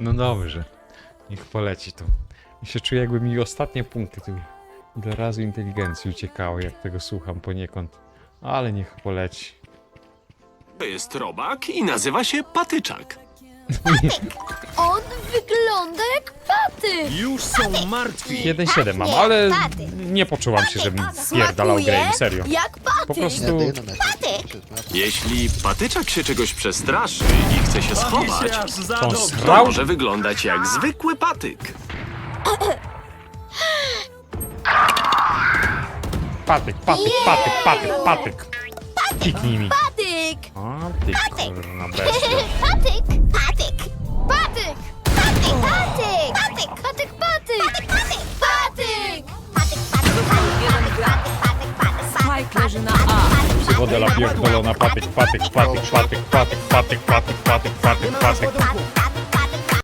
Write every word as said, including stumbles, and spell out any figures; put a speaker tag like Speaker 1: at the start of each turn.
Speaker 1: No dobrze. Niech poleci to. Ja się czuję, jakby mi ostatnie punkty tu. Ile razy inteligencji uciekało, jak tego słucham poniekąd. Ale niech poleci.
Speaker 2: To jest robak i nazywa się patyczak.
Speaker 3: On wygląda jak patyk.
Speaker 2: Już są martwi.
Speaker 1: jeden siedem mam,
Speaker 3: nie,
Speaker 1: ale
Speaker 3: patyk.
Speaker 1: nie poczułam się, żebym spierdalał grę,
Speaker 3: Smakuje
Speaker 1: serio.
Speaker 3: jak patyk.
Speaker 1: Po prostu...
Speaker 3: Patyk.
Speaker 2: Jeśli patyczak się czegoś przestraszy i chce się schować,
Speaker 1: To on
Speaker 2: to
Speaker 1: srał?
Speaker 2: może wyglądać jak zwykły patyk.
Speaker 1: Patyk, patyk, patyk, patyk, patyk. Kiknij mi.
Speaker 3: Patyk.
Speaker 1: O, ty kurna bestia.
Speaker 3: Patyk. Patyk. Patyk. Patyk. Patyk. Patyk. Patyk. Patyk. Patyk. Patyk.
Speaker 4: Spike leży na A.
Speaker 1: Psychodela pierdolona, patyk, patyk, patyk, patyk, patyk, patyk, patyk, patyk, patyk, patyk.